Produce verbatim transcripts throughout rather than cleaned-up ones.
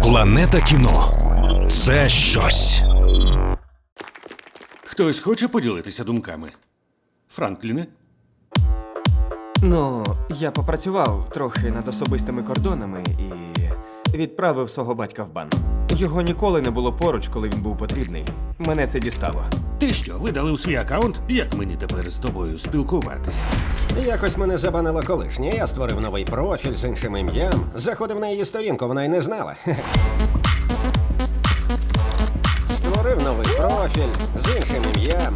Планета кіно – це щось. Хтось хоче поділитися думками? Франкліне? Ну, я попрацював трохи над особистими кордонами і відправив свого батька в бан. Його ніколи не було поруч, коли він був потрібний. Мене це дістало. Ти що, видалив свій аккаунт? Як мені тепер з тобою спілкуватися? Якось мене забанило колишнє. Я створив новий профіль з іншим ім'ям. Заходив на її сторінку, вона й не знала. Створив новий профіль з іншим ім'ям.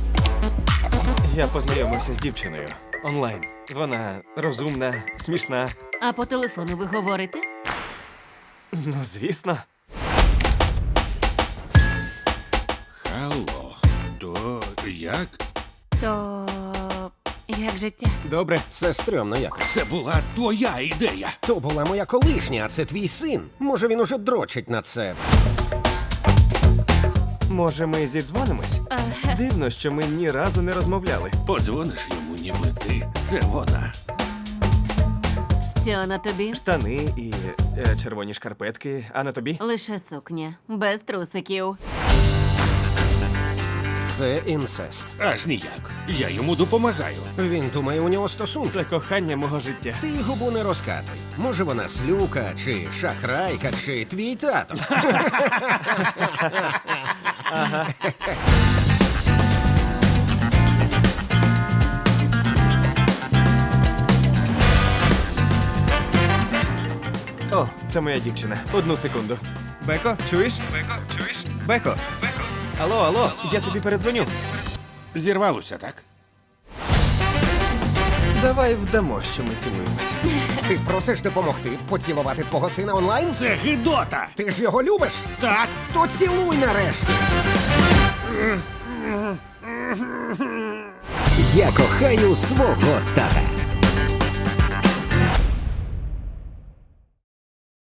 Я познайомився з дівчиною онлайн. Вона розумна, смішна. А по телефону ви говорите? Ну, звісно. Алло, то як? То як життя? Добре. Це стрьомно якось. Це була твоя ідея. То була моя колишня, а це твій син. Може, він уже дрочить на це. Може, ми зідзвонимось? Дивно, що ми ні разу не розмовляли. Подзвониш йому, ніби ти. Це вона. Що на тобі? Штани і е, червоні шкарпетки, а на тобі? Лише сукня, без трусиків. Це інцест. Аж ніяк. Я йому допомагаю. Він думає, у нього стосунки. Це кохання мого життя. Ти губу не розкатуй. Може, вона слюка, чи шахрайка, чи твій тато. О, це моя дівчина. Одну секунду. Беко, чуєш? Беко, чуєш? Беко. Беко. Алло, алло, я тобі передзвоню. Зірвалося, так? Давай вдамо, що ми цілуємось. Ти просиш допомогти поцілувати твого сина онлайн? Це гидота! Ти ж його любиш? Так! То цілуй нарешті. Я кохаю свого тата.